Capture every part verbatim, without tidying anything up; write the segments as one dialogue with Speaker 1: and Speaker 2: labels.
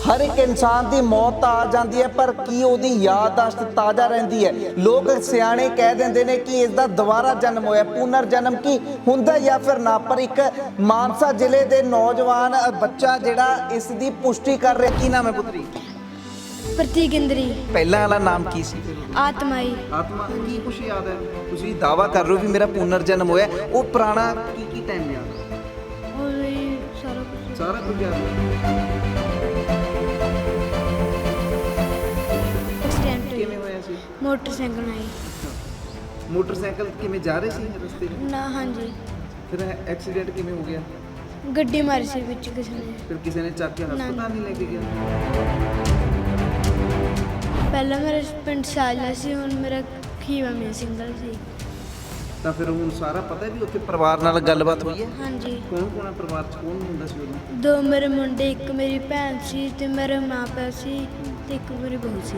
Speaker 1: हर एक इंसान की मौत आ जाती है पर की उहदी याददाश्त ताज़ा रहती है। लोग सियाणे कह देंदे ने कि इसका दोबारा जन्म होया, पुनर जन्म की हुंदा या फिर ना। पर एक मानसा जिले के नौजवान बच्चा जिहड़ा इस दी पुष्टि कर रहा। की नाम है पुत्री?
Speaker 2: प्रतीक इंद्री।
Speaker 1: पहला वाला नाम की सी?
Speaker 2: आत्माई।
Speaker 1: आत्मा। की कुछ याद है? तुसीं दावा कर रहे हो कि मेरा पुनर जन्म होया, वो पुराना की की टाइम याद है?
Speaker 2: और ये सारा कुछ
Speaker 1: सारा कुछ याद है।
Speaker 2: एक्सीडेंट हुई।
Speaker 1: किवें होया सी?
Speaker 2: मोटरसाइकिल आई
Speaker 1: मोटरसाइकिल किवें जा रहे सी रस्ते में?
Speaker 2: ना। हाँ जी,
Speaker 1: फिर एक्सीडेंट किवें हो गया?
Speaker 2: गड्डी मारी सी विच किसी ने।
Speaker 1: फिर किसी ने चक के हस्पताल नहीं लेके गया?
Speaker 2: पहला मेरे पिंड साजला सी, हुण मेरा खीवा में सिंगल सी।
Speaker 1: ਤਾਂ ਫਿਰ ਹੁਣ ਸਾਰਾ ਪਤਾ ਵੀ ਉੱਥੇ ਪਰਿਵਾਰ ਨਾਲ ਗੱਲਬਾਤ ਹੋਈ ਹੈ?
Speaker 2: हाँ जी,
Speaker 1: ਕੌਣ ਕੌਣ ਹੈ ਪਰਿਵਾਰ 'ਚ? ਕੌਣ ਹੁੰਦਾ ਸੀ ਉਦੋਂ?
Speaker 2: दो मेरे मुंडे, एक मेरी भैन सी ते मेरे माँ प्यो सी ते एक मेरी बहू सी।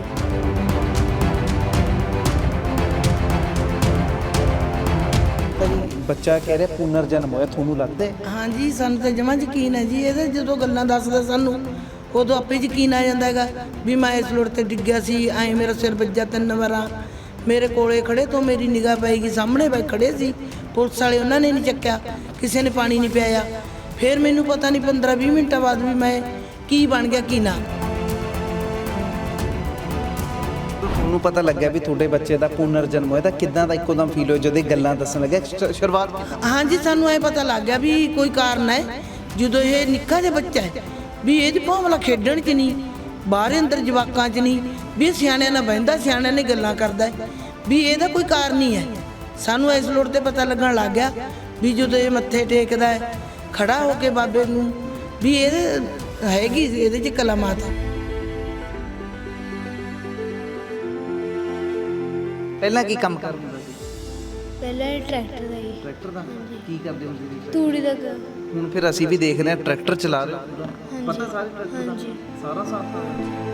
Speaker 1: ਬੱਚਾ ਕਹਿ ਰਿਹਾ ਪੁਨਰ ਜਨਮ ਹੋਇਆ, ਤੁਹਾਨੂੰ ਲੱਗਦਾ ਹੈ?
Speaker 3: ਹਾਂਜੀ, ਸਾਨੂੰ ਤਾਂ ਜਮਾਂ ਯਕੀਨ ਹੈ ਜੀ। ਇਹਦੇ ਜਦੋਂ ਗੱਲਾਂ ਦੱਸਦਾ ਸਾਨੂੰ ਉਦੋਂ ਆਪੇ ਯਕੀਨ ਆ ਜਾਂਦਾ ਹੈਗਾ ਵੀ ਮੈਂ ਇਸ ਲੋੜ ਤੇ ਡਿੱਗਿਆ ਸੀ, ਐਂ ਮੇਰਾ ਸਿਰ ਵੱਜਾ ਤਿੰਨ ਵਾਰਾਂ। ਮੇਰੇ ਕੋਲੇ ਖੜੇ ਤੋਂ ਮੇਰੀ ਨਿਗਾਹ ਪਏਗੀ, ਸਾਹਮਣੇ ਬੈ ਖੜੇ ਸੀ ਪੁਲਿਸ ਵਾਲੇ, ਉਹਨਾਂ ਨੇ ਨਹੀਂ ਚੱਕਿਆ, ਕਿਸੇ ਨੇ ਪਾਣੀ ਨਹੀਂ ਪਿਆਇਆ। ਫਿਰ ਮੈਨੂੰ ਪਤਾ ਨਹੀਂ ਪੰਦਰਾਂ ਵੀਹ ਮਿੰਟਾਂ ਬਾਅਦ ਵੀ ਮੈਂ ਕੀ ਬਣ ਗਿਆ ਕੀ ਨਾ।
Speaker 1: ਤੁਹਾਨੂੰ ਪਤਾ ਲੱਗਿਆ ਵੀ ਤੁਹਾਡੇ ਬੱਚੇ ਦਾ ਪੁਨਰ ਜਨਮ ਹੋਇਆ ਤਾਂ ਕਿੱਦਾਂ ਦਾ ਇੱਕੋਦਮ ਫੀਲ ਹੋਇਆ ਜਦੋਂ ਇਹ ਗੱਲਾਂ ਦੱਸਣ ਲੱਗਿਆ? ਸ਼- ਸ਼ੁਰੂਆਤ
Speaker 3: ਹਾਂਜੀ, ਸਾਨੂੰ ਐ ਪਤਾ ਲੱਗ ਗਿਆ ਵੀ ਕੋਈ ਕਾਰਨ ਹੈ। ਜਦੋਂ ਇਹ ਨਿੱਕਾ ਜਿਹਾ ਬੱਚਾ ਹੈ ਵੀ ਇਹਦੀ ਭਾਵਨਾ ਖੇਡਣ 'ਚ ਨਹੀਂ, ਬਾਹਰ ਅੰਦਰ ਜਵਾਕਾਂ 'ਚ ਨਹੀਂ, ਵੀ ਸਿਆਣਿਆਂ ਨਾਲ ਬਹਿੰਦਾ, ਸਿਆਣਿਆਂ ਨੇ ਗੱਲਾਂ ਕਰਦਾ ਹੈ, ਵੀ ਇਹਦਾ ਕੋਈ ਕਾਰਨ ਨਹੀਂ ਹੈ। ਸਾਨੂੰ ਇਸ ਲੋੜ ਤੇ ਪਤਾ ਲੱਗਣ ਲੱਗ ਗਿਆ ਵੀ ਜਦੋਂ ਇਹ ਮੱਥੇ ਟੇਕਦਾ ਹੈ ਖੜਾ ਹੋ ਕੇ ਬਾਬੇ ਨੂੰ, ਵੀ ਇਹ ਹੈਗੀ ਇਹਦੇ 'ਚ ਕਲਾਮਾਤ।
Speaker 1: ਪਹਿਲਾਂ ਕੀ ਕੰਮ ਕਰਦਾ ਹੁੰਦਾ ਸੀ?
Speaker 2: पहला ही ट्रैक्टर दा ही
Speaker 1: ਟਰੈਕਟਰ ਦਾ? ਕੀ ਕਰਦੇ ਹੁੰਦੇ ਸੀ?
Speaker 2: तूड़ी दा ग-
Speaker 1: ਹੁਣ ਫਿਰ ਅਸੀਂ ਵੀ ਦੇਖ ਰਹੇ ਹਾਂ ਟਰੈਕਟਰ ਚਲਾ ਰਹੇ ਹੋ ਪੂਰਾ।
Speaker 2: हाँ
Speaker 1: ਪਤਾ
Speaker 2: जी,
Speaker 1: ਸਾਰੇ ਟਰੈਕਟਰ ਦਾ?
Speaker 2: हाँ जी।
Speaker 1: ਸਾਰਾ ਸਾਥ ਤਾਂ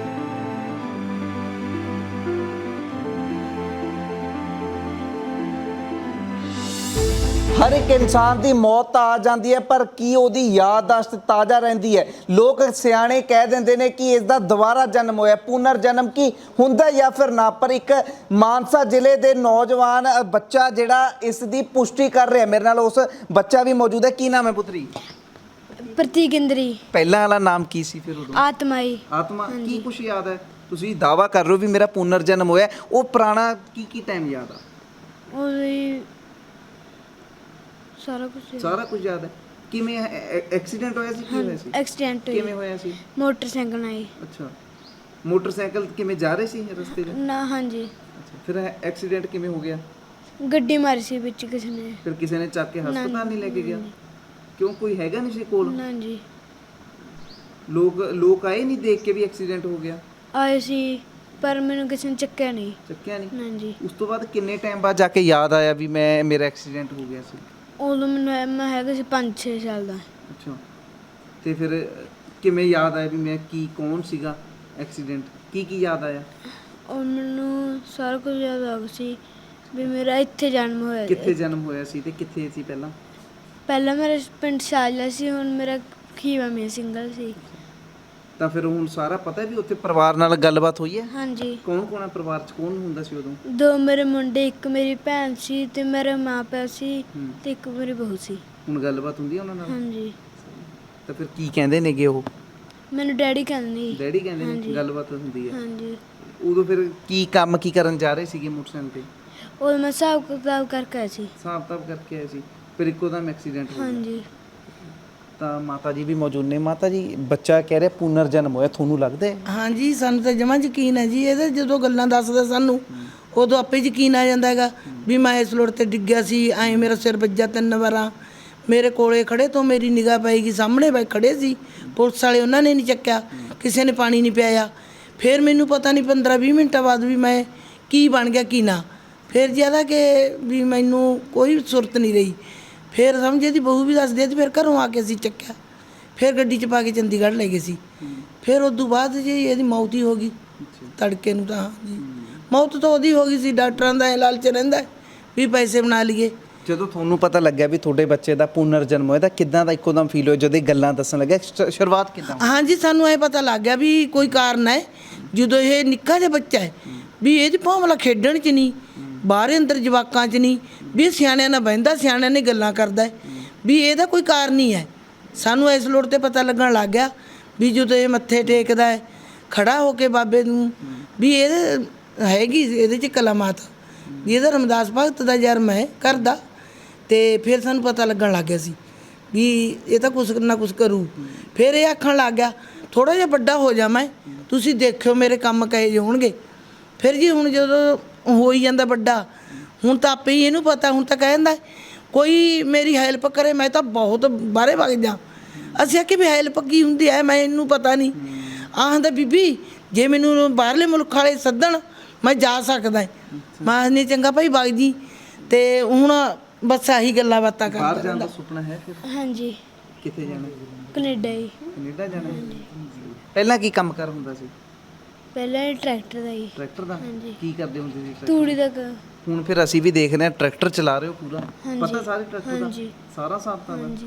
Speaker 1: हर एक इंसान की मौत आ जाती है पर की उहदी याददाश्त ताज़ा रहती है। लोग सियाणे कह देंदे ने कि इसका दोबारा जन्म होया, पुनर जन्म की हुंदा या फिर ना। पर एक मानसा जिले के नौजवान बच्चा जिहड़ा इस दी पुष्टि कर रहा है, मेरे नाल उस बच्चा भी मौजूद है। की नाम है पुत्री?
Speaker 2: प्रतीक इंद्री।
Speaker 1: पहला वाला नाम की सी फिर उदों?
Speaker 2: आत्माई।
Speaker 1: आत्मा। की कुछ याद है? ਤੁਸੀਂ दावा कर रहे हो भी मेरा पुनर जन्म होया, वो पुराना की की टाइम याद आ?
Speaker 2: और ये सारा कुछ
Speaker 1: ਸਾਰਾ ਕੁਝ ਯਾਦ ਹੈ। ਕਿਵੇਂ ਐਕਸੀਡੈਂਟ ਹੋਇਆ ਸੀ? ਕੀ ਹੋਇਆ ਸੀ?
Speaker 2: एक्सीडेंट हुई।
Speaker 1: ਕਿਵੇਂ ਹੋਇਆ ਸੀ?
Speaker 2: मोटरसाइकिल आई
Speaker 1: ਅੱਛਾ, ਮੋਟਰਸਾਈਕਲ ਕਿਵੇਂ ਜਾ ਰਹੇ ਸੀ ਰਸਤੇ 'ਚ?
Speaker 2: ना। हाँ जी,
Speaker 1: ਅੱਛਾ, ਫਿਰ ਐਕਸੀਡੈਂਟ ਕਿਵੇਂ ਹੋ ਗਿਆ?
Speaker 2: गड्डी मारी सी विच किसी ने।
Speaker 1: ਫਿਰ ਕਿਸੇ ਨੇ ਚੱਕ ਕੇ ਹਸਪਤਾਲ ਨਹੀਂ ਲੈ ਕੇ ਗਿਆ? ਕਿਉਂ, ਕੋਈ ਹੈਗਾ ਨਹੀਂ ਸੀ ਕੋਲ?
Speaker 2: ना जी,
Speaker 1: ਲੋਕ ਲੋਕ ਆਏ ਨਹੀਂ ਦੇਖ ਕੇ ਵੀ ਐਕਸੀਡੈਂਟ ਹੋ ਗਿਆ?
Speaker 2: आए सी पर मैंने किसी ने चक्या नहीं।
Speaker 1: ਚੱਕਿਆ ਨਹੀਂ?
Speaker 2: ना जी,
Speaker 1: ਉਸ ਤੋਂ ਬਾਅਦ ਕਿੰਨੇ ਟਾਈਮ ਬਾਅਦ ਜਾ ਕੇ ਯਾਦ ਆਇਆ ਵੀ ਮੈਂ ਮੇਰਾ ਐਕਸੀਡੈਂਟ ਹੋ ਗਿਆ ਸੀ?
Speaker 2: ਉਦੋਂ ਮੈਨੂੰ ਮੈਂ ਹੈਗਾ ਸੀ ਪੰਜ ਛੇ ਸਾਲ ਦਾ।
Speaker 1: ਅੱਛਾ, ਤੇ ਫਿਰ ਕਿਵੇਂ ਯਾਦ ਆਇਆ ਵੀ ਮੈਂ ਕੀ ਕੌਣ ਸੀਗਾ? ਐਕਸੀਡੈਂਟ ਕੀ ਕੀ ਯਾਦ ਆਇਆ?
Speaker 2: ਔਰ ਮੈਨੂੰ ਸਾਰਾ ਕੁਝ ਯਾਦ ਆ ਗਿਆ ਸੀ ਵੀ ਮੇਰਾ ਇੱਥੇ ਜਨਮ ਹੋਇਆ।
Speaker 1: ਕਿੱਥੇ ਜਨਮ ਹੋਇਆ ਸੀ ਤੇ ਕਿੱਥੇ ਸੀ ਪਹਿਲਾਂ?
Speaker 2: ਪਹਿਲਾਂ ਮੇਰੇ ਪਿੰਡ ਸਾਜਲਾ ਸੀ, ਹੁਣ ਮੇਰਾ ਖੀਵਾ ਮੇ ਸਿੰਗਲ ਸੀ।
Speaker 1: ਤਾਂ ਫਿਰ ਹੁਣ ਸਾਰਾ ਪਤਾ ਵੀ ਉੱਥੇ ਪਰਿਵਾਰ ਨਾਲ ਗੱਲਬਾਤ ਹੋਈ ਹੈ?
Speaker 2: ਹਾਂਜੀ,
Speaker 1: ਕੌਣ ਕੌਣ ਹੈ ਪਰਿਵਾਰ 'ਚ? ਕੌਣ ਹੁੰਦਾ ਸੀ ਉਦੋਂ?
Speaker 2: ਦੋ ਮੇਰੇ ਮੁੰਡੇ, ਇੱਕ ਮੇਰੀ ਭੈਣ ਸੀ ਤੇ ਮੇਰੇ ਮਾਂ ਪਿਓ ਸੀ
Speaker 1: ਹੂੰ।
Speaker 2: ਤੇ ਇੱਕ ਮੇਰੀ ਬਹੂ ਸੀ।
Speaker 1: ਹੁਣ ਗੱਲਬਾਤ ਹੁੰਦੀ ਹੈ ਉਹਨਾਂ ਨਾਲ?
Speaker 2: ਹਾਂਜੀ,
Speaker 1: ਤਾਂ ਫਿਰ ਕੀ ਕਹਿੰਦੇ ਨੇਗੇ ਉਹ?
Speaker 2: ਮੈਨੂੰ ਡੈਡੀ ਕਹਿੰਦੇ ਸੀ।
Speaker 1: ਡੈਡੀ ਕਹਿੰਦੇ ਨੇ
Speaker 2: ਹਾਂਜੀ।
Speaker 1: ਗੱਲਬਾਤ ਹੁੰਦੀ ਹੈ?
Speaker 2: ਹਾਂਜੀ,
Speaker 1: ਉਦੋਂ ਫਿਰ ਕੀ ਕੰਮ ਕੀ ਕਰਨ ਜਾ ਰਹੇ ਸੀਗੇ ਮੋਟਰਸਾਈਕਲ ਤੇ?
Speaker 2: ਉਹ ਮੈਂ ਹਿਸਾਬ ਕਿਤਾਬ ਕਰਕੇ ਆਈ ਸੀ।
Speaker 1: ਹਿਸਾਬ ਕਿਤਾਬ ਕਰਕੇ ਆਏ ਸੀ, ਫਿਰ ਇੱਕੋ ਦਮ ਐਕਸੀਡੈਂਟ ਹੋ ਗਿਆ।
Speaker 2: ਹਾਂਜੀ,
Speaker 1: ਤਾਂ ਮਾਤਾ ਜੀ ਵੀ ਮੌਜੂਦ ਨੇ। ਮਾਤਾ ਜੀ, ਬੱਚਾ ਕਹਿ ਰਿਹਾ ਪੁਨਰ ਜਨਮ ਹੋਇਆ, ਤੁਹਾਨੂੰ ਲੱਗਦਾ ਹੈ?
Speaker 3: ਹਾਂਜੀ, ਸਾਨੂੰ ਤਾਂ ਜਮਾਂ ਯਕੀਨ ਹੈ ਜੀ। ਇਹਦੇ ਜਦੋਂ ਗੱਲਾਂ ਦੱਸਦਾ ਸਾਨੂੰ ਉਦੋਂ ਆਪੇ ਯਕੀਨ ਆ ਜਾਂਦਾ ਹੈਗਾ ਵੀ ਮੈਂ ਇਸ ਲੋੜ ਤੇ ਡਿੱਗਿਆ ਸੀ, ਐਂ ਮੇਰਾ ਸਿਰ ਵੱਜਾ ਤਿੰਨ ਵਾਰਾਂ। ਮੇਰੇ ਕੋਲੇ ਖੜੇ ਤੋਂ ਮੇਰੀ ਨਿਗਾਹ ਪਏਗੀ, ਸਾਹਮਣੇ ਬੈ ਖੜੇ ਸੀ ਪੁਲਿਸ ਵਾਲੇ, ਉਹਨਾਂ ਨੇ ਨਹੀਂ ਚੱਕਿਆ, ਕਿਸੇ ਨੇ ਪਾਣੀ ਨਹੀਂ ਪਿਆਇਆ। ਫਿਰ ਮੈਨੂੰ ਪਤਾ ਨਹੀਂ ਪੰਦਰਾਂ ਵੀਹ ਮਿੰਟਾਂ ਬਾਅਦ ਵੀ ਮੈਂ ਕੀ ਬਣ ਗਿਆ ਕੀ ਨਾ। ਫਿਰ ਜ਼ਿਆਦਾ ਕਿ ਵੀ ਮੈਨੂੰ ਕੋਈ ਸੁਰਤ ਨਹੀਂ ਰਹੀ। ਫਿਰ ਸਮਝੇ ਦੀ ਬਹੂ ਵੀ ਦੱਸਦੀ ਤੇ ਫਿਰ ਘਰੋਂ ਆ ਕੇ ਅਸੀਂ ਚੱਕਿਆ, ਫਿਰ ਗੱਡੀ 'ਚ ਪਾ ਕੇ ਚੰਡੀਗੜ੍ਹ ਲੈ ਗਏ ਸੀ। ਫਿਰ ਉਸ ਤੋਂ ਬਾਅਦ ਜੀ ਇਹਦੀ ਮੌਤ ਹੀ ਹੋ ਗਈ ਤੜਕੇ ਨੂੰ। ਤਾਂ ਜੀ ਮੌਤ ਤਾਂ ਉਹਦੀ ਹੋ ਗਈ ਸੀ। ਡਾਕਟਰਾਂ ਦਾ ਇਹ ਲਾਲਚ ਰਹਿੰਦਾ ਵੀ ਪੈਸੇ ਬਣਾ ਲਈਏ,
Speaker 1: ਜਦੋਂ ਤੁਹਾਨੂੰ ਪਤਾ ਲੱਗਿਆ ਵੀ ਤੁਹਾਡੇ ਬੱਚੇ ਦਾ ਪੁਨਰ ਜਨਮ ਹੋਇਆ ਤਾਂ ਕਿੱਦਾਂ ਦਾ ਇੱਕੋਦਮ ਫੀਲ ਹੋਇਆ ਜਦੋਂ ਇਹ ਗੱਲਾਂ ਦੱਸਣ ਲੱਗਿਆ ਸ਼- ਸ਼ੁਰੂਆਤ ਕਿੱਦਾਂ ਹੋਈ?
Speaker 3: ਹਾਂਜੀ ਸਾਨੂੰ ਇਹ ਪਤਾ ਲੱਗ ਗਿਆ ਵੀ ਕੋਈ ਕਾਰਨ ਹੈ। ਜਦੋਂ ਇਹ ਨਿੱਕਾ ਜਿਹਾ ਬੱਚਾ ਹੈ ਵੀ ਇਹ 'ਚ ਭਾਵਲਾ ਖੇਡਣ 'ਚ ਨਹੀਂ, ਬਾਹਰ ਅੰਦਰ ਜਵਾਕਾਂ 'ਚ ਨਹੀਂ, ਵੀ ਇਹ ਸਿਆਣਿਆਂ ਨਾਲ ਬਹਿੰਦਾ, ਸਿਆਣਿਆਂ ਨੇ ਗੱਲਾਂ ਕਰਦਾ ਹੈ, ਵੀ ਇਹਦਾ ਕੋਈ ਕਾਰਨ ਨਹੀਂ ਹੈ। ਸਾਨੂੰ ਇਸ ਲੋੜ ਤੇ ਪਤਾ ਲੱਗਣ ਲੱਗ ਗਿਆ ਵੀ ਜਦੋਂ ਇਹ ਮੱਥੇ ਟੇਕਦਾ ਹੈ ਖੜਾ ਹੋ ਕੇ ਬਾਬੇ ਨੂੰ, ਵੀ ਇਹ ਹੈਗੀ ਇਹਦੇ 'ਚ ਕਲਾਮਾਤ, ਵੀ ਇਹਦਾ ਰਮਦਾਸ ਭਗਤ ਦਾ ਜਨਮ ਹੈ ਕਰਦਾ। ਤੇ ਫਿਰ ਸਾਨੂੰ ਪਤਾ ਲੱਗਣ ਲੱਗ ਗਿਆ ਸੀ ਵੀ ਇਹ ਤਾਂ ਕੁਛ ਨਾ ਕੁਛ ਕਰੂ। ਫਿਰ ਇਹ ਆਖਣ ਲੱਗ ਗਿਆ ਥੋੜ੍ਹਾ ਜਿਹਾ ਵੱਡਾ ਹੋ ਜਾ ਮੈਂ, ਤੁਸੀਂ ਦੇਖਿਓ ਮੇਰੇ ਕੰਮ ਕਹੇ ਜਿਹੇ ਹੋਣਗੇ। ਫਿਰ ਜੀ ਹੁਣ ਜਦੋਂ ਹੋ ਹੀ ਜਾਂਦਾ ਵੱਡਾ, ਹੁਣ ਤਾਂ ਆਪੇ ਹੀ ਇਹਨੂੰ ਪਤਾ, ਹੁਣ ਤਾਂ ਕਹਿੰਦਾ ਕੋਈ ਮੇਰੀ ਹੈਲਪ ਕਰੇ, ਮੈਂ ਤਾਂ ਬਹੁਤ ਬਾਹਰੇ ਵਗ ਜਾ। ਅਸੀਂ ਆਖੀ ਵੀ ਹੈਲਪ ਕੀ ਹੁੰਦੀ ਹੈ, ਮੈਂ ਇਹਨੂੰ ਪਤਾ ਨਹੀਂ। ਆਖਦਾ ਬੀਬੀ ਜੇ ਮੈਨੂੰ ਬਾਹਰਲੇ ਮੁਲਕ ਵਾਲੇ ਸੱਦਣ ਮੈਂ ਜਾ ਸਕਦਾ। ਮੈਂ ਨਹੀਂ ਚੰਗਾ ਭਾਈ ਵਗ ਜੀ। ਤੇ ਹੁਣ ਬਸ ਆਹੀ ਗੱਲਾਂ ਬਾਤਾਂ ਕਰਦਾ।
Speaker 1: ਬਾਹਰ ਜਾਣ ਦਾ ਸੁਪਨਾ ਹੈ ਫਿਰ?
Speaker 2: ਹਾਂਜੀ
Speaker 1: ਕਿੱਥੇ ਜਾਣਾ?
Speaker 2: ਕੈਨੇਡਾ ਹੀ।
Speaker 1: ਕੈਨੇਡਾ ਜਾਣਾ? ਪਹਿਲਾਂ ਕੀ ਕੰਮ ਕਰ ਹੁੰਦਾ ਸੀ?
Speaker 2: ਪਹਿਲਾਂ ਇਹ ਟਰੈਕਟਰ ਦਾ ਹੀ।
Speaker 1: ਟਰੈਕਟਰ ਦਾ?
Speaker 2: ਹਾਂਜੀ।
Speaker 1: ਕੀ ਕਰਦੇ ਹੁੰਦੇ ਸੀ ਟਰੈਕਟਰ?
Speaker 2: ਤੂੜੀ ਦਾ ਕ-
Speaker 1: ਹੁਣ ਫਿਰ ਅਸੀਂ ਵੀ ਦੇਖ ਰਹੇ ਹਾਂ ਟਰੈਕਟਰ ਚਲਾ ਰਹੇ ਹੋ ਪੂਰਾ,
Speaker 2: ਹਾਂਜੀ।
Speaker 1: ਪਤਾ ਸਾਰੇ ਟਰੈਕਟਰ ਦਾ
Speaker 2: ਹਾਂਜੀ।
Speaker 1: ਸਾਰਾ ਸਾਬਤਾ ਦਾ।
Speaker 2: ਹਾਂਜੀ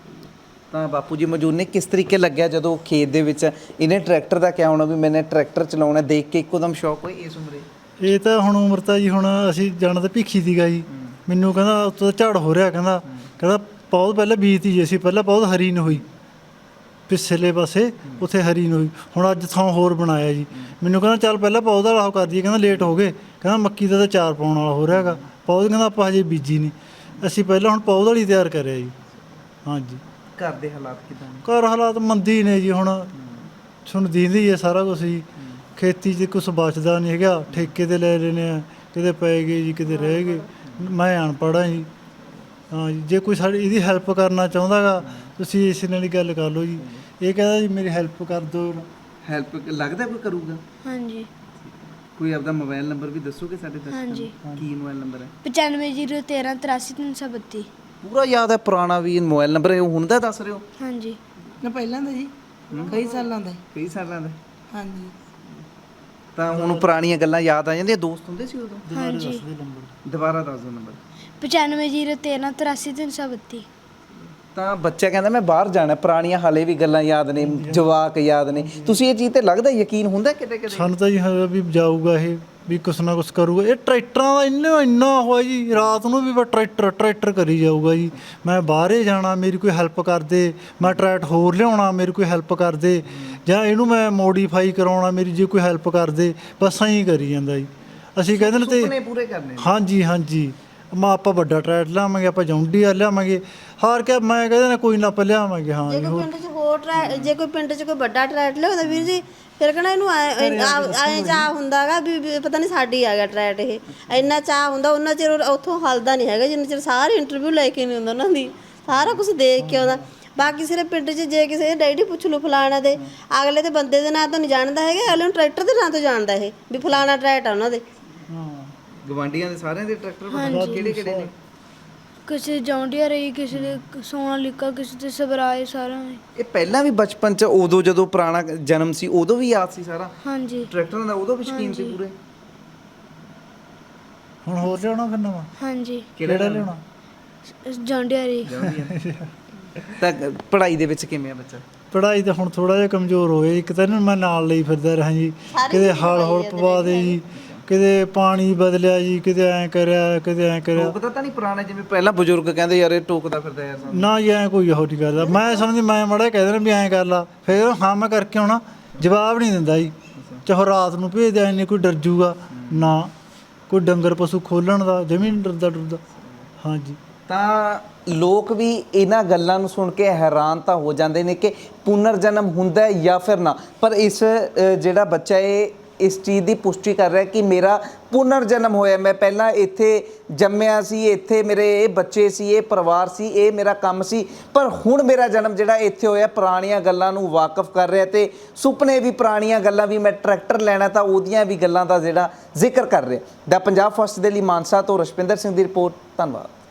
Speaker 1: ਤਾਂ ਬਾਪੂ ਜੀ ਮੌਜੂਦ ਨੇ, ਕਿਸ ਤਰੀਕੇ ਲੱਗਿਆ ਜਦੋਂ ਖੇਤ ਦੇ ਵਿੱਚ ਇਹਨੇ ਟਰੈਕਟਰ ਦਾ ਕਿਹਾ ਹੋਣਾ ਵੀ ਮੈਨੇ ਟਰੈਕਟਰ ਚਲਾਉਣਾ, ਦੇਖ ਕੇ ਇੱਕੋਦਮ ਸ਼ੌਕ ਹੋਈ ਇਸ ਉਮਰੇ?
Speaker 4: ਇਹ ਤਾਂ ਹੁਣ ਉਮਰ ਤਾਂ ਜੀ ਹੁਣ ਅਸੀਂ ਜਾਣਾ ਤਾਂ ਭਿੱਖੀ ਸੀਗਾ ਜੀ। ਮੈਨੂੰ ਕਹਿੰਦਾ ਉੱਤੋਂ ਦਾ ਝਾੜ ਹੋ ਰਿਹਾ, ਕਹਿੰਦਾ ਕਹਿੰਦਾ ਪੌਦ ਪਹਿਲਾਂ ਬੀਜਤੀ ਜੀ ਅਸੀਂ, ਪਹਿਲਾਂ ਪੌਦ ਹਰੀ ਨਹੀਂ ਹੋਈ ਪਿਛਲੇ ਪਾਸੇ, ਉੱਥੇ ਹਰੀ ਨਹੀਂ ਹੋਈ। ਹੁਣ ਅੱਜ ਥਾਂ ਹੋਰ ਬਣਾਇਆ ਜੀ। ਮੈਨੂੰ ਕਹਿੰਦਾ ਚੱਲ ਪਹਿਲਾਂ ਪੌਦ ਵਾਲਾ ਉਹ ਕਰ ਦਈਏ, ਕਹਿੰਦਾ ਲੇਟ ਹੋ ਗਏ, ਕਹਿੰਦਾ ਮੱਕੀ ਦਾ ਤਾਂ ਚਾਰ ਪਾਉਣ ਵਾਲਾ ਹੋ ਰਿਹਾ ਹੈਗਾ, ਪੌਦ ਕਹਿੰਦਾ ਆਪਾਂ ਹਜੇ ਬੀਜੀ ਨਹੀਂ। ਅਸੀਂ ਪਹਿਲਾਂ ਹੁਣ ਪੌਦ ਵਾਲੀ ਤਿਆਰ ਕਰਿਆ ਜੀ। ਹਾਂਜੀ।
Speaker 1: ਘਰ ਦੇ ਹਾਲਾਤ ਕਿਦਾਂ ਨੇ?
Speaker 4: ਘਰ ਹਾਲਾਤ ਮੰਦੀ ਨੇ ਜੀ। ਹੁਣ ਤੁਹਾਨੂੰ ਦੀਂਦੀ ਹੈ ਸਾਰਾ ਕੁਛ ਜੀ। ਖੇਤੀ 'ਚ ਕੁਛ ਬਚਦਾ ਨਹੀਂ ਹੈਗਾ, ਠੇਕੇ 'ਤੇ ਲੈ ਲੈਣੇ ਆ, ਕਿਤੇ ਪੈ ਗਏ ਜੀ, ਕਿਤੇ ਰਹਿ ਗਏ। ਮੈਂ ਅਨਪੜ੍ਹ ਹਾਂ ਜੀ। ਹਾਂ ਜੀ, ਜੇ ਕੋਈ ਸਾਡੀ ਇਹਦੀ ਹੈਲਪ ਕਰਨਾ ਚਾਹੁੰਦਾ ਗਾ ਤੁਸੀਂ ਇਸ ਨਾਲ ਹੀ ਗੱਲ ਕਰ ਲਓ ਜੀ। ਇਹ ਕਹਿੰਦਾ ਜੀ ਮੇਰੀ ਹੈਲਪ ਕਰ ਦਿਓ।
Speaker 1: ਹੈਲਪ ਲੱਗਦਾ ਕੋਈ ਕਰੂਗਾ?
Speaker 2: ਹਾਂਜੀ
Speaker 1: ਕੋਈ ਆਪਦਾ ਮੋਬਾਈਲ ਨੰਬਰ ਵੀ ਦੱਸੋਗੇ ਸਾਡੇ ਦਰਸ਼ਕਾਂ
Speaker 2: ਹਾਂਜੀ।
Speaker 1: ਨੂੰ? ਕੀ ਮੋਬਾਈਲ ਨੰਬਰ ਹੈ?
Speaker 2: ਪਚਾਨਵੇਂ ਜ਼ੀਰੋ ਤੇਰਾਂ ਤਰਾਸੀ ਤਿੰਨ ਸੌ ਬੱਤੀ।
Speaker 1: ਪੂਰਾ ਯਾਦ ਹੈ? ਪੁਰਾਣਾ ਵੀ ਮੋਬਾਈਲ ਨੰਬਰ ਹੈ, ਉਹ ਹੁਣ ਦਾ ਦੱਸ ਰਹੇ ਹੋ?
Speaker 2: ਹਾਂਜੀ
Speaker 3: ਨਾ ਪਹਿਲਾਂ ਦਾ ਜੀ, ਕਈ ਸਾਲਾਂ ਦਾ।
Speaker 1: ਕਈ ਸਾਲਾਂ ਦਾ?
Speaker 3: ਹਾਂਜੀ।
Speaker 1: ਤਾਂ ਹੁਣ ਪੁਰਾਣੀਆਂ ਗੱਲਾਂ ਯਾਦ ਆ ਜਾਂਦੀਆਂ। ਦੋਸਤ ਹੁੰਦੇ ਸੀ ਉਦੋਂ?
Speaker 2: ਹਾਂਜੀ
Speaker 1: ਦੁਬਾਰਾ ਦੱਸ ਦਿਓ ਨੰਬਰ।
Speaker 2: ਪਚਾਨਵੇਂ ਜ਼ੀਰੋ ਤੇਰਾਂ ਤਰਾਸੀ ਤਿੰਨ ਸੌ ਬੱਤੀ।
Speaker 1: ਤਾਂ ਬੱਚਾ ਕਹਿੰਦਾ ਮੈਂ ਬਾਹਰ ਜਾਣਾ, ਪੁਰਾਣੀਆਂ ਹਾਲੇ ਵੀ ਗੱਲਾਂ ਯਾਦ ਨੇ, ਜਵਾਕ ਯਾਦ ਨੇ। ਤੁਸੀਂ ਇਹ ਚੀਜ਼ ਤੇ ਲੱਗਦਾ ਯਕੀਨ ਹੁੰਦਾ ਕਿਤੇ ਕਿਤੇ?
Speaker 4: ਸਾਨੂੰ ਤਾਂ ਜੀ ਹੈਗਾ ਵੀ ਜਾਊਗਾ ਇਹ, ਵੀ ਕੁਛ ਨਾ ਕੁਛ ਕਰੂਗਾ। ਇਹ ਟਰੈਕਟਰਾਂ ਦਾ ਇੰਨਾ ਇੰਨਾ ਹੋਇਆ ਜੀ, ਰਾਤ ਨੂੰ ਵੀ ਬਸ ਟਰੈਕਟਰ ਟਰੈਕਟਰ ਕਰੀ ਜਾਊਗਾ ਜੀ। ਮੈਂ ਬਾਹਰੇ ਜਾਣਾ, ਮੇਰੀ ਕੋਈ ਹੈਲਪ ਕਰ ਦੇ, ਮੈਂ ਟਰੈਕਟ ਹੋਰ ਲਿਆਉਣਾ, ਮੇਰੀ ਕੋਈ ਹੈਲਪ ਕਰ ਦੇ, ਜਾਂ ਇਹਨੂੰ ਮੈਂ ਮੋਡੀਫਾਈ ਕਰਾਉਣਾ, ਮੇਰੀ ਜੇ ਕੋਈ ਹੈਲਪ ਕਰ ਦੇ, ਬਸ ਐਂ ਕਰੀ ਜਾਂਦਾ ਜੀ। ਅਸੀਂ ਕਹਿੰਦੇ ਨੇ
Speaker 1: ਸੁਪਨੇ
Speaker 4: ਤੇ
Speaker 1: ਪੂਰੇ ਕਰਨੇ ਨੇ।
Speaker 4: ਹਾਂਜੀ ਹਾਂਜੀ। ਮੈਂ ਆਪਾਂ ਵੱਡਾ ਟਰੈਕਟ ਲਿਆਵਾਂਗੇ, ਆਪਾਂ ਜੌਂਡੀਆ ਲਿਆਵਾਂਗੇ, ਹਾਰ ਕੇ ਮੈਂ ਕਹਿੰਦੇ ਨੇ ਕੋਈ ਨਾ ਆਪਾਂ ਲਿਆਵਾਂਗੇ। ਹਾਂ
Speaker 5: ਜੇ
Speaker 4: ਜੀ।
Speaker 5: ਕੋਈ
Speaker 4: ਹੋਰ
Speaker 5: ਪਿੰਡ 'ਚ ਹੋਰ ਟਰੈ ਜੇ ਕੋਈ ਪਿੰਡ 'ਚ ਕੋਈ ਵੱਡਾ ਟਰੈਟ ਲਿਆਉਂਦਾ ਵੀਰ ਜੀ, ਫਿਰ ਕਹਿਣਾ ਇਹਨੂੰ ਐਂ ਚਾਹ ਹੁੰਦਾਗਾ ਵੀ ਵੀ ਪਤਾ ਨਹੀਂ ਸਾਡੀ ਆ ਗਿਆ ਟਰੈਟ। ਇਹ ਇੰਨਾ ਚਾਹ ਹੁੰਦਾ, ਉਹਨਾਂ ਚਿਰ ਉੱਥੋਂ ਹਲਦਾ ਨਹੀਂ ਹੈਗਾ ਜਿੰਨਾ ਚਿਰ ਸਾਰੀ ਇੰਟਰਵਿਊ ਲੈ ਕੇ ਨਹੀਂ ਹੁੰਦਾ ਉਹਨਾਂ ਦੀ, ਸਾਰਾ ਕੁਝ ਦੇਖ ਕੇ ਆਉਂਦਾ। ਬਾਕੀ ਸਿਰੇ ਪਿੰਡ 'ਚ ਜੇ ਕਿਸੇ ਡੈਡੀ ਪੁੱਛ ਲਓ ਫਲਾਣਾ ਦੇ, ਅਗਲੇ ਦੇ ਬੰਦੇ ਦੇ ਨਾਂ ਤੋਂ ਨਹੀਂ ਜਾਣਦਾ ਹੈਗਾ, ਅਗਲੇ ਨੂੰ ਟਰੈਕਟਰ ਦੇ ਨਾਂ ਤੋਂ ਜਾਣਦਾ ਇਹ ਵੀ ਫਲਾਣਾ ਟਰੈਟ ਆ ਉਹਨਾਂ ਦੇ।
Speaker 1: ਗਵਾਂਡੀਆਂ ਦੇ ਸਾਰਿਆਂ ਦੇ ਟਰੈਕਟਰ ਪਤਾ ਕਿਹੜੇ ਕਿਹੜੇ ਨੇ?
Speaker 2: ਕਿਸੇ ਜੌਂਡੀਆ ਰਹੀ, ਕਿਸੇ ਦੇ ਸੋਨਾਲੀਕਾ, ਕਿਸੇ ਦੇ ਸਵਰਾਜ, ਸਾਰਿਆਂ ਦੇ।
Speaker 1: ਇਹ ਪਹਿਲਾਂ ਵੀ ਬਚਪਨ ਚ ਉਦੋਂ ਜਦੋਂ ਪੁਰਾਣਾ ਜਨਮ ਸੀ ਉਦੋਂ ਵੀ ਯਾਦ ਸੀ ਸਾਰਾ
Speaker 2: ਹਾਂਜੀ
Speaker 1: ਟਰੈਕਟਰਾਂ ਦਾ? ਉਦੋਂ ਵੀ ਸ਼ੌਕੀਨ ਸੀ ਪੂਰੇ?
Speaker 4: ਹੁਣ ਹੋਰ ਲਿਆਉਣਾ ਫਿਰ ਨਵਾਂ?
Speaker 2: ਹਾਂਜੀ
Speaker 4: ਕਿਹੜਾ ਲਿਆਉਣਾ?
Speaker 2: ਜੌਂਡੀਆ ਰਹੀ।
Speaker 1: ਤਾਂ ਪੜ੍ਹਾਈ ਦੇ ਵਿੱਚ ਕਿਵੇਂ ਆ ਬੱਚਾ?
Speaker 4: ਪੜ੍ਹਾਈ ਤਾਂ ਹੁਣ ਥੋੜਾ ਜਿਹਾ ਕਮਜ਼ੋਰ ਹੋਏ। ਇੱਕ ਤਾਂ ਇਹਨੂੰ ਮੈਂ ਨਾਲ ਲਈ ਫਿਰਦਾ ਰਿਹਾ ਜੀ, ਕਿਤੇ ਹਲ ਹੁਲ ਪਵਾ ਦੇ ਜੀ, ਕਿਤੇ ਪਾਣੀ ਬਦਲਿਆ ਜੀ, ਕਿਤੇ ਐਂ ਕਰਿਆ, ਕਿਤੇ ਐਂ ਕਰਿਆ।
Speaker 1: ਟੋਕਦਾ ਤਾਂ ਨਹੀਂ ਪੁਰਾਣੇ ਜਿਵੇਂ ਪਹਿਲਾਂ ਬਜ਼ੁਰਗ ਕਹਿੰਦੇ ਯਾਰ ਇਹ ਟੋਕਦਾ ਫਿਰਦਾ ਯਾਰ ਸਾਨੂੰ?
Speaker 4: ਨਾ ਜੀ ਐਂ ਕੋਈ ਇਹੋ ਜਿਹੀ ਕਰਦਾ। ਮੈਂ ਸਮਝਦੀ ਮੈਂ ਮਾੜਾ ਕਹਿ ਦੇਣਾ ਵੀ ਐਂ ਕਰ ਲਾ, ਫਿਰ ਉਹ ਹਾਂ ਮੈਂ ਕਰਕੇ ਆਉਣਾ, ਜਵਾਬ ਨਹੀਂ ਦਿੰਦਾ ਜੀ। ਚਾਹੇ ਰਾਤ ਨੂੰ ਭੇਜ ਦਿਆ, ਇੰਨੇ ਕੋਈ ਡਰ ਜੂਗਾ ਨਾ, ਕੋਈ ਡੰਗਰ ਪਸ਼ੂ ਖੋਲਣ ਦਾ ਜਮੀ ਨਹੀਂ ਡਰਦਾ ਡਰਦਾ। ਹਾਂਜੀ।
Speaker 1: ਤਾਂ ਲੋਕ ਵੀ ਇਹਨਾਂ ਗੱਲਾਂ ਨੂੰ ਸੁਣ ਕੇ ਹੈਰਾਨ ਤਾਂ ਹੋ ਜਾਂਦੇ ਨੇ ਕਿ ਪੁਨਰ ਜਨਮ ਹੁੰਦਾ ਹੈ ਜਾਂ ਫਿਰ ਨਾ, ਪਰ ਇਸ ਅ, ਜਿਹੜਾ ਬੱਚਾ ਇਹ ਇਸ ਚੀਜ਼ ਦੀ ਪੁਸ਼ਟੀ ਕਰ ਰਿਹਾ ਕਿ ਮੇਰਾ ਪੁਨਰ ਜਨਮ ਹੋਇਆ, ਮੈਂ ਪਹਿਲਾਂ ਇੱਥੇ ਜੰਮਿਆ ਸੀ, ਇੱਥੇ ਮੇਰੇ ਇਹ ਬੱਚੇ ਸੀ, ਇਹ ਪਰਿਵਾਰ ਸੀ, ਇਹ ਮੇਰਾ ਕੰਮ ਸੀ, ਪਰ ਹੁਣ ਮੇਰਾ ਜਨਮ ਜਿਹੜਾ ਇੱਥੇ ਹੋਇਆ। ਪੁਰਾਣੀਆਂ ਗੱਲਾਂ ਨੂੰ ਵਾਕਿਫ ਕਰ ਰਿਹਾ ਤੇ ਸੁਪਨੇ ਵੀ, ਪੁਰਾਣੀਆਂ ਗੱਲਾਂ ਵੀ, ਮੈਂ ਟਰੈਕਟਰ ਲੈਣਾ ਤਾਂ ਉਹਦੀਆਂ ਵੀ ਗੱਲਾਂ ਦਾ ਜਿਹੜਾ ਜ਼ਿਕਰ ਕਰ ਰਿਹਾ। ਦਾ ਪੰਜਾਬ ਫਸਟ ਦੇ ਲਈ ਮਾਨਸਾ ਤੋਂ ਰਸ਼ਪਿੰਦਰ ਸਿੰਘ ਦੀ ਰਿਪੋਰਟ। ਧੰਨਵਾਦ।